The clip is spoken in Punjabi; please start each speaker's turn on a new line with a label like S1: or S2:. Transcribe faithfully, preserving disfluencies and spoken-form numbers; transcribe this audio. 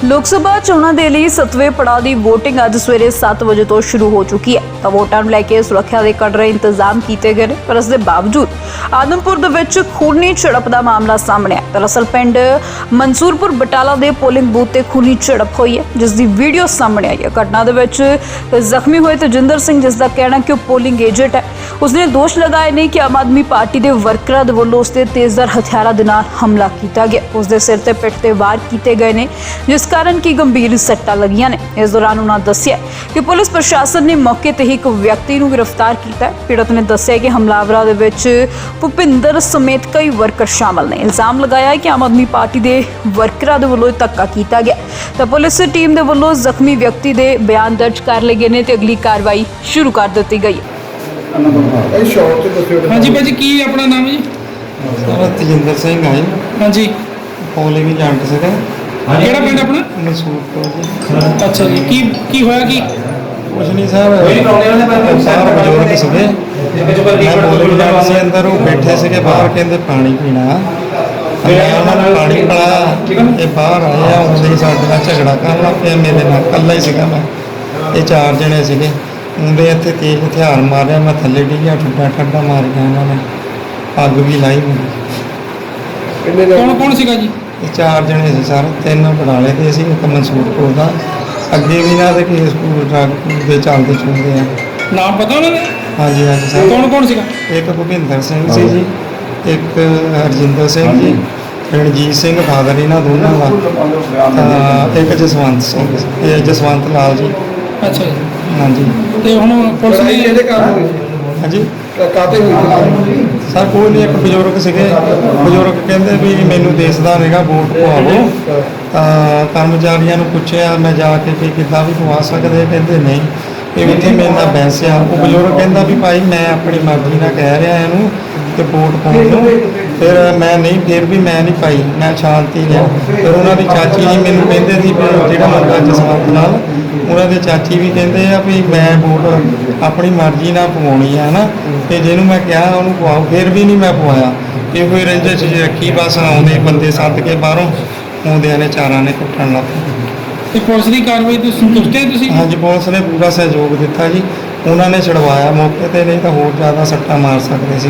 S1: ਲੋਕ ਸਭਾ ਚੋਣਾਂ ਦੇ ਲਈ ਸੱਤਵੇਂ ਪੜਾਅ ਦੀ VOTING ਅੱਜ ਸਵੇਰੇ ਸੱਤ ਵਜੇ ਤੋਂ ਸ਼ੁਰੂ ਹੋ ਚੁੱਕੀ ਹੈ ਤਾਂ ਵੋਟਾਂ ਨੂੰ ਲੈ ਕੇ ਸੁਰੱਖਿਆ ਦੇ ਕੜੇ ਇੰਤਜ਼ਾਮ ਕੀਤੇ ਗਏ ਨੇ ਪਰ ਇਸ ਦੇ ਬਾਵਜੂਦ ਆਦਮਪੁਰ ਦੇ ਵਿੱਚ ਖੂਨੀ ਝੜਪ ਦਾ ਮਾਮਲਾ ਸਾਹਮਣੇ ਆਇਆ। ਦਰਅਸਲ ਪਿੰਡ ਮਨਸੂਰਪੁਰ ਬਟਾਲਾ ਦੇ ਪੋਲਿੰਗ ਬੂਥ ਤੇ ਖੂਨੀ ਝੜਪ ਹੋਈ ਹੈ ਜਿਸ ਦੀ ਵੀਡੀਓ ਸਾਹਮਣੇ ਆਈ ਹੈ। ਘਟਨਾ ਦੇ ਵਿੱਚ ਜ਼ਖਮੀ ਹੋਏ ਤੇਜਿੰਦਰ ਸਿੰਘ ਜਿਸ ਦਾ ਕਹਿਣਾ ਕਿ ਉਹ ਪੋਲਿੰਗ ਏਜੰਟ ਹੈ, ਉਸਨੇ ਦੋਸ਼ ਲਗਾਏ ਨੇ ਕਿ ਆਮ ਆਦਮੀ ਪਾਰਟੀ ਦੇ ਵਰਕਰਾਂ ਦੇ ਵੱਲੋਂ ਉਸ ਤੇ ਤੇਜ਼ਧਾਰ ਹਥਿਆਰਾਂ ਦੇ ਨਾਲ ਹਮਲਾ ਕੀਤਾ ਗਿਆ। ਉਸ ਦੇ ਸਿਰ ਤੇ ਪਿੱਠ ਤੇ ਵਾਰ ਕੀਤੇ ਗਏ ਨੇ ਜਿਸ ਕਾਰਨ ਕਿ ਗੰਭੀਰ ਸੱਟਾਂ ਲੱਗੀਆਂ ਨੇ। ਇਸ ਦੌਰਾਨ ਉਹਨਾਂ ਦੱਸਿਆ ਕਿ ਪੁਲਿਸ ਪ੍ਰਸ਼ਾਸਨ ਨੇ ਮੌਕੇ ਤੇ ਹੀ ਇੱਕ ਵਿਅਕਤੀ ਨੂੰ ਗ੍ਰਿਫਤਾਰ ਕੀਤਾ ਹੈ। ਪੀੜਤ ਨੇ ਦੱਸਿਆ ਕਿ ਹਮਲਾਵਰਾਂ ਦੇ ਵਿੱਚ ਭੁਪਿੰਦਰ ਸਮੇਤ ਕਈ ਵਰਕਰ ਸ਼ਾਮਲ ਨੇ। ਇਲਜ਼ਾਮ ਲਗਾਇਆ ਹੈ ਕਿ ਆਮ ਆਦਮੀ ਪਾਰਟੀ ਦੇ ਵਰਕਰਾਂ ਦੇ ਵੱਲੋਂ ਧੱਕਾ ਕੀਤਾ ਗਿਆ ਤਾਂ ਪੁਲਿਸ ਟੀਮ ਦੇ ਵੱਲੋਂ ਜ਼ਖਮੀ ਵਿਅਕਤੀ ਦੇ ਬਿਆਨ ਦਰਜ ਕਰ ਲਏ ਗਏ ਨੇ ਤੇ ਅਗਲੀ ਕਾਰਵਾਈ ਸ਼ੁਰੂ ਕਰ ਦਿੱਤੀ ਗਈ ਹੈ।
S2: हाँ जी भाजी की अपना नाम है जी?
S3: सर तजिंदर सिंह है
S2: हाँ जी
S3: पोलिंग ਏਜੰਟ ਸੀਗਾ
S2: ਕਿਹੜਾ ਪਿੰਡ ਆਪਣਾ?
S3: ਮਨਸੂਰਪੁਰ ਜੀ।
S2: ਅੱਛਾ ਜੀ ਕੀ ਕੀ ਹੋਇਆ ਕੀ?
S3: ਕੁਛ ਨਹੀਂ ਸਰ ਬਾਹਰ ਬਜ਼ੁਰਗ ਸੀਗੇ ਮੈਂ ਪੋਲਿੰਗ ਏਜੰਟ ਸੀ ਅੰਦਰ ਉਹ ਬੈਠੇ ਸੀਗੇ ਬਾਹਰ ਕਹਿੰਦੇ ਪਾਣੀ ਪੀਣਾ ਮੈਂ ਉਹਨਾਂ ਨੂੰ ਪਾਣੀ ਪਿਲਾਇਆ ਇਹ ਬਾਹਰ ਆਏ ਆ ਉਹਦੇ ਸਾਡੇ ਨਾਲ ਝਗੜਾ ਕਰਨ ਲੱਗ ਪਿਆ ਮੇਰੇ ਨਾਲ ਇਕੱਲਾ ਹੀ ਸੀਗਾ ਮੈਂ ਇਹ ਚਾਰ ਜਣੇ ਸੀਗੇ ਉਹਦੇ ਇੱਥੇ ਤੇਜ਼ ਹਥਿਆਰ ਮਾਰਿਆ ਮੈਂ ਥੱਲੇ ਡਿੱਗਿਆ ਠੱਡਾ ਠੱਡਾ ਮਾਰਿਆ ਇਹਨਾਂ ਨੇ ਅੱਗ ਵੀ ਲਾਈ ਮੈਨੂੰ
S2: ਕੌਣ ਕੌਣ ਸੀਗਾ ਜੀ?
S3: ਇਹ ਚਾਰ ਜਣੇ ਸੀ ਸਰ ਤਿੰਨ ਬਟਾਲੇ ਦੇ ਸੀ ਇੱਕ ਮਨਸੂਰਪੁਰ ਦਾ ਅੱਗੇ ਵੀ ਨਾ ਦੇ ਕੇਸ ਡਰੱਗ ਦੇ ਚੱਲਦੇ ਚੁੰਦੇ ਆ।
S2: ਨਾਮ ਪਤਾ ਉਹਨਾਂ ਦਾ?
S3: ਹਾਂਜੀ ਹਾਂਜੀ ਸਰ
S2: ਕੌਣ ਕੌਣ ਸੀਗਾ?
S3: ਇੱਕ ਭੁਪਿੰਦਰ ਸਿੰਘ ਸੀ ਜੀ ਇੱਕ ਹਰਜਿੰਦਰ ਸਿੰਘ ਜੀ ਰਣਜੀਤ ਸਿੰਘ ਫਾਦਰ ਇਹਨਾਂ ਦੋਨਾਂ ਦਾ ਤਾਂ ਇੱਕ ਜਸਵੰਤ ਸਿੰਘ ਇਹ ਜਸਵੰਤ ਲਾਲ ਜੀ।
S2: ਅੱਛਾ ਜੀ
S3: ਹਾਂਜੀ
S2: ਤੇ ਹੁਣ ਪੁਲਿਸ ਨੇ ਇਹਦੇ
S3: ਹਾਂਜੀ
S2: ਕਾਤੇ ਹੋਈ
S3: ਸਰ ਕੋਈ ਨਹੀਂ ਇੱਕ ਬਜ਼ੁਰਗ ਸੀਗੇ ਬਜ਼ੁਰਗ ਕਹਿੰਦੇ ਵੀ ਮੈਨੂੰ ਦੇਸਦਾ ਨਹੀਂਗਾ ਵੋਟ ਪਵਾਵੋ ਤਾਂ ਕਰਮਚਾਰੀਆਂ ਨੂੰ ਪੁੱਛਿਆ ਮੈਂ ਜਾ ਕੇ ਕਿ ਕਿੱਦਾਂ ਵੀ ਪਵਾ ਸਕਦੇ ਕਹਿੰਦੇ ਨਹੀਂ ਇਹ ਇੱਥੇ ਮੇਰੇ ਨਾਲ ਬਹਿਸ ਆ। ਉਹ ਬਜ਼ੁਰਗ ਕਹਿੰਦਾ ਵੀ ਭਾਈ ਮੈਂ ਆਪਣੀ ਮਰਜ਼ੀ ਨਾਲ ਕਹਿ ਰਿਹਾ ਇਹਨੂੰ ਕਿ ਵੋਟ ਪਾਉਣ ਨੂੰ ਫਿਰ ਮੈਂ ਨਹੀਂ ਫਿਰ ਵੀ ਮੈਂ ਨਹੀਂ ਪਾਈ ਮੈਂ ਸ਼ਾਂਤੀ ਰਿਹਾ। ਫਿਰ ਉਹਨਾਂ ਦੀ ਚਾਚੀ ਜੀ ਮੈਨੂੰ ਕਹਿੰਦੇ ਸੀ ਵੀ ਜਿਹੜਾ ਮੁੰਡਾ ਜਸਵੰਤ ਨਾਲ ਉਹਨਾਂ ਦੇ ਚਾਚੀ ਵੀ ਕਹਿੰਦੇ ਆ ਵੀ ਮੈਂ ਵੋਟ ਆਪਣੀ ਮਰਜ਼ੀ ਨਾਲ ਪਵਾਉਣੀ ਆ ਨਾ ਤੇ ਜਿਹਨੂੰ ਮੈਂ ਕਿਹਾ ਉਹਨੂੰ ਪਵਾਓ ਫਿਰ ਵੀ ਨਹੀਂ ਮੈਂ ਪਵਾਇਆ। ਇਹ ਕੋਈ ਰੰਜਿਸ਼ ਜਿਹੀ ਰੱਖੀ ਬਸ ਆਉਂਦੇ ਬੰਦੇ ਸੱਦ ਕੇ ਬਾਹਰੋਂ ਆਉਂਦਿਆਂ ਨੇ ਚਾਰਾਂ ਨੇ ਕੁੱਟਣ ਲੱਗ ਪਏ।
S2: ਤੇ ਪੁਲਿਸ ਦੀ ਕਾਰਵਾਈ ਤੋਂ ਸੰਤੁਸ਼ਟ ਹੈ ਤੁਸੀਂ?
S3: ਹਾਂਜੀ ਪੁਲਿਸ ਨੇ ਪੂਰਾ ਸਹਿਯੋਗ ਦਿੱਤਾ ਜੀ ਉਹਨਾਂ ਨੇ ਛਡਵਾਇਆ ਮੌਕੇ ਤੇ ਨਹੀਂ ਤਾਂ ਹੋਰ ਜ਼ਿਆਦਾ ਸੱਟਾਂ ਮਾਰ ਸਕਦੇ ਸੀ